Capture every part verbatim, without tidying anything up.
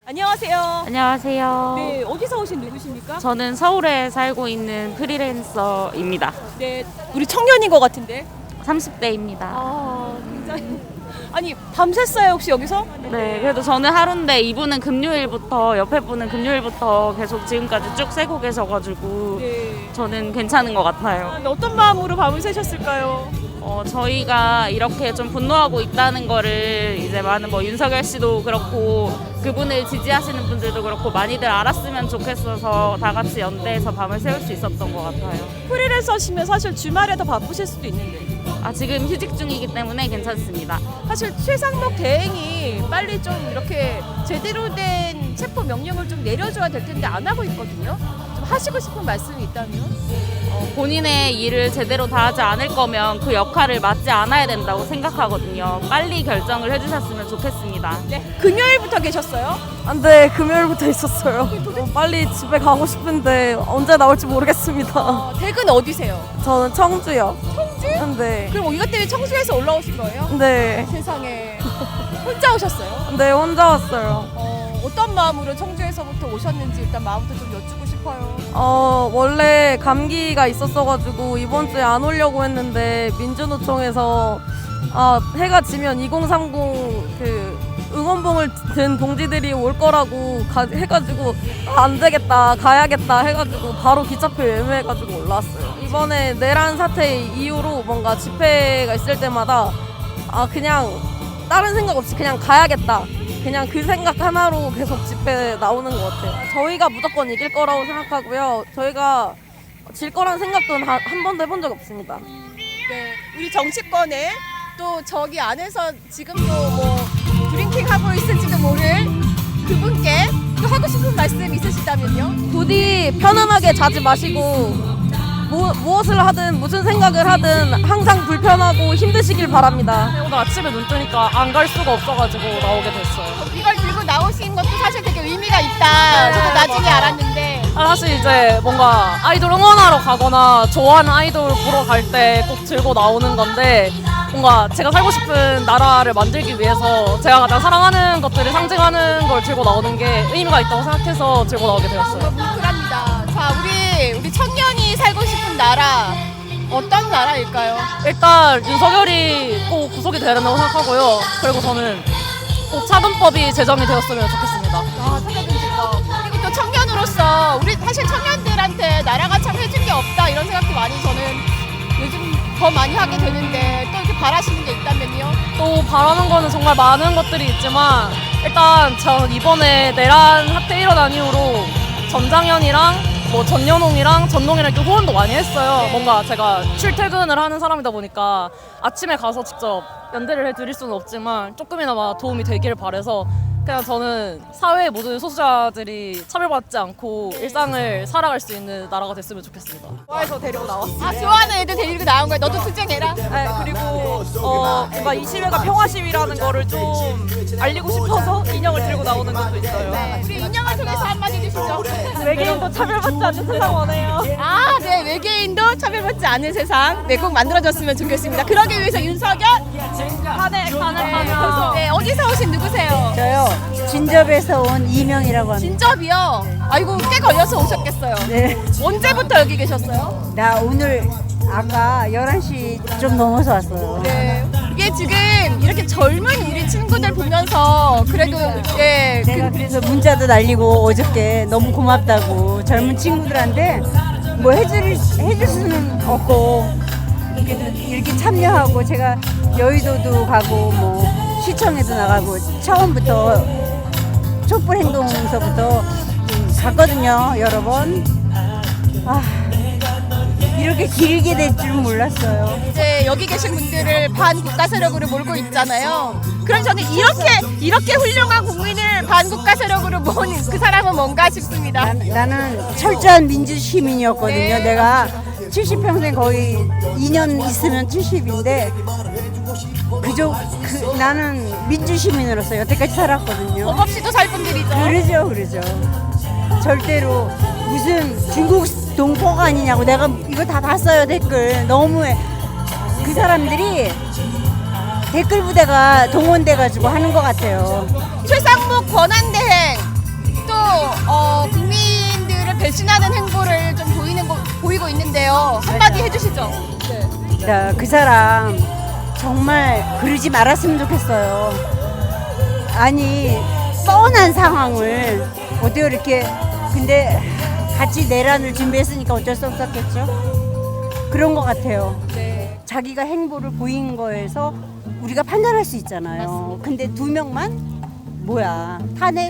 안녕하세요. 안녕하세요. 네, 어디서 오신 누구십니까? 저는 서울에 살고 있는 프리랜서입니다. 네, 우리 청년인 것 같은데. 삼십 대입니다. 아, 굉장히. 아니, 밤샜어요, 혹시 여기서? 네, 그래도 저는 하루인데 이분은 금요일부터, 옆에 분은 금요일부터 계속 지금까지 쭉 새고 계셔가지고 네. 저는 괜찮은 것 같아요. 아, 어떤 마음으로 밤을 새셨을까요? 어, 저희가 이렇게 좀 분노하고 있다는 거를 이제 많은 뭐 윤석열 씨도 그렇고 그분을 지지하시는 분들도 그렇고 많이들 알았으면 좋겠어서 다 같이 연대해서 밤을 새울 수 있었던 것 같아요. 프리랜서시면 사실 주말에 더 바쁘실 수도 있는데. 아, 지금 휴직 중이기 때문에 괜찮습니다. 사실 최상목 대행이 빨리 좀 이렇게 제대로 된 체포 명령을 좀 내려줘야 될 텐데 안 하고 있거든요. 좀 하시고 싶은 말씀이 있다면? 어, 본인의 일을 제대로 다 하지 않을 거면 그 역할을 맡지 않아야 된다고 생각하거든요. 빨리 결정을 해주셨으면 좋겠습니다. 네. 금요일부터 계셨어요? 안 돼, 금요일부터 있었어요. 어, 빨리 집에 가고 싶은데 언제 나올지 모르겠습니다. 어, 댁은 어디세요? 저는 청주요. 청주? 네. 그럼 이것 때문에 청주에서 올라오신 거예요? 네. 세상에. 혼자 오셨어요? 네, 혼자 왔어요. 어, 어떤 마음으로 청주에서부터 오셨는지 일단 마음부터 좀 여쭈고 싶어요. 어, 원래 감기가 있었어가지고 이번 주에 안 오려고 했는데 민주노총에서 아, 해가 지면 이공삼공 그 응원봉을 든 동지들이 올 거라고 가, 해가지고 아, 안 되겠다 가야겠다 해가지고 바로 기차표 예매해가지고 올라왔어요. 이번에 내란 사태 이후로 뭔가 집회가 있을 때마다 아 그냥 다른 생각 없이 그냥 가야겠다 그냥 그 생각 하나로 계속 집회 나오는 것 같아요. 저희가 무조건 이길 거라고 생각하고요. 저희가 질 거란 생각도 한, 한 번도 해본 적 없습니다. 네, 우리 정치권에 또 저기 안에서 지금도 뭐 드링킹 하고 있을지도 모를 그분께 또 하고 싶은 말씀 있으시다면요? 부디 편안하게 자지 마시고 무, 무엇을 하든 무슨 생각을 하든 항상 불편하고 힘드시길 바랍니다. 오늘 아침에 눈 뜨니까 안 갈 수가 없어가지고 나오게 됐어요. 이걸 들고 나오신 것도 사실 되게 의미가 있다. 저도 나중에 알았는데. 아, 사실 이제 뭔가 아이돌 응원하러 가거나 좋아하는 아이돌 보러 갈 때 꼭 들고 나오는 건데 뭔가 제가 살고 싶은 나라를 만들기 위해서 제가 가장 사랑하는 것들을 상징하는 걸 들고 나오는 게 의미가 있다고 생각해서 들고 나오게 되었어요. 뭉클합니다. 자, 우리 우리 청년이 살고 싶은 나라 어떤 나라일까요? 일단 윤석열이 꼭 구속이 돼야 된다고 생각하고요. 그리고 저는 꼭 차근법이 제정이 되었으면 좋겠습니다. 아, 살려준 거. 그리고 또 청년으로서 우리 사실 청년들한테 나라가 참 해준 게 없다 이런 생각도 많이 저는 요즘 더 많이 하게 되는데 또 이렇게 바라시는 게 있다면요? 또 바라는 거는 정말 많은 것들이 있지만 일단 전 이번에 내란 사태 일어난 이후로 전장현이랑 뭐 전연홍이랑 전동이랑 이렇게 후원도 많이 했어요. 뭔가 제가 출퇴근을 하는 사람이다 보니까 아침에 가서 직접 연대를 해드릴 수는 없지만 조금이나마 도움이 되길 바라서 그냥 저는 사회의 모든 소수자들이 차별받지 않고 일상을 살아갈 수 있는 나라가 됐으면 좋겠습니다. 좋아해서 데리고 나왔어요. 아, 좋아하는 애들 데리고 나온 거야. 너도 투쟁해라. 네, 그리고 어, 뭔가 이 시위가 평화 시위라는 거를 좀 알리고 싶어서 인형을 들고 나오는 것도 있어요. 네, 우리 인형을 통해서 한마디 해주시죠. 외계인도 차별받지 않는 세상 원해요. 아, 네, 외계인도 차별받지 않는 세상 네, 꼭 만들어졌으면 좋겠습니다. 그러기 위해서 윤석열 한해 한해 한해. 네, 어디서 오신 누구세요? 저요 진접에서 온 이명이라고 합니다. 진접이요? 아이고, 꽤 걸려서 오셨겠어요. 네. 언제부터 여기 계셨어요? 나 오늘 아까 열한 시 좀 넘어서 왔어요. 네. 이게 지금 이렇게 젊은 우리 친구들 보면서 그래도 예, 내가 그래서 문자도 날리고 어저께 너무 고맙다고 젊은 친구들한테 뭐 해줄 해줄 수는 없고 그래도 이렇게 참여하고 제가 여의도도 가고 뭐 시청에도 나가고 처음부터 촛불 행동서부터 음, 갔거든요 여러 번. 아 이렇게 길게 될 줄 몰랐어요. 이제 여기 계신 분들을 반국가 세력으로 몰고 있잖아요. 그럼 저는 이렇게 이렇게 훌륭한 국민을 반국가 세력으로 모은 그 사람은 뭔가 싶습니다. 난, 나는 철저한 민주 시민이었거든요. 네. 내가 칠십 평생 거의 이 년 있으면 칠십인데 그저 그, 나는 민주 시민으로서 여태까지 살았거든요. 법 없이도 살 분들이죠. 그러죠, 그러죠. 절대로 무슨 중국 동포가 아니냐고 내가 이거 다 봤어요 댓글. 너무해. 그 사람들이 댓글 부대가 동원돼가지고 하는 것 같아요. 최상목 권한대행 배신하는 행보를 좀 보이는 거, 보이고 있는데요. 한마디 해주시죠. 네. 나 그 사람 정말 그러지 말았으면 좋겠어요. 아니 뻔한 상황을 어떻게 이렇게 근데 같이 내란을 준비했으니까 어쩔 수 없었겠죠. 그런 것 같아요. 네. 자기가 행보를 보인 거에서 우리가 판단할 수 있잖아요. 근데 두 명만 뭐야 탄핵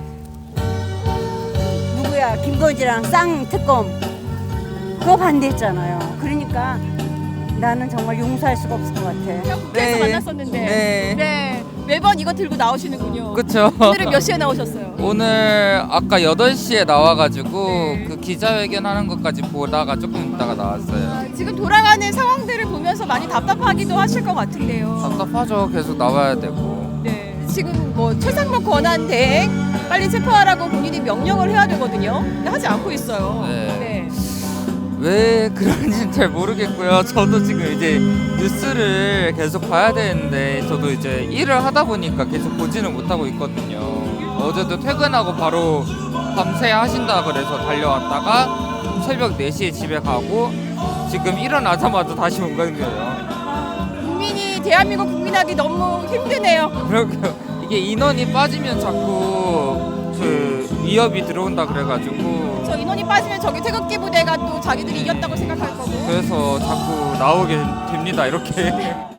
누구야 김건희랑 쌍 특검 그거 반대했잖아요. 그러니까 나는 정말 용서할 수가 없을 것 같아. 국회에서 네. 만났었는데. 네. 네. 매번 이거 들고 나오시는군요. 그쵸. 오늘은 몇 시에 나오셨어요? 오늘 아까 여덟 시에 나와가지고 네. 그 기자회견 하는 것까지 보다가 조금 있다가 나왔어요. 아, 지금 돌아가는 상황들을 보면서 많이 답답하기도 하실 것 같은데요. 답답하죠. 계속 나와야 되고. 네. 지금 뭐 최상목 권한 대행 빨리 체포하라고 본인이 명령을 해야 되거든요. 근데 하지 않고 있어요. 네. 왜 그런지는 잘 모르겠고요. 저도 지금 이제 뉴스를 계속 봐야 되는데 저도 이제 일을 하다 보니까 계속 보지는 못하고 있거든요. 어제도 퇴근하고 바로 밤새 하신다 그래서 달려왔다가 새벽 네 시에 집에 가고 지금 일어나자마자 다시 온 거예요. 국민이 대한민국 국민하기 너무 힘드네요. 그러게요. 이게 인원이 빠지면 자꾸 그 위협이 들어온다 그래가지고 저 인원이 빠지면 저기 태극기 부대가 또 자기들이 이겼다고 생각할 거고. 그래서 자꾸 나오게 됩니다. 이렇게.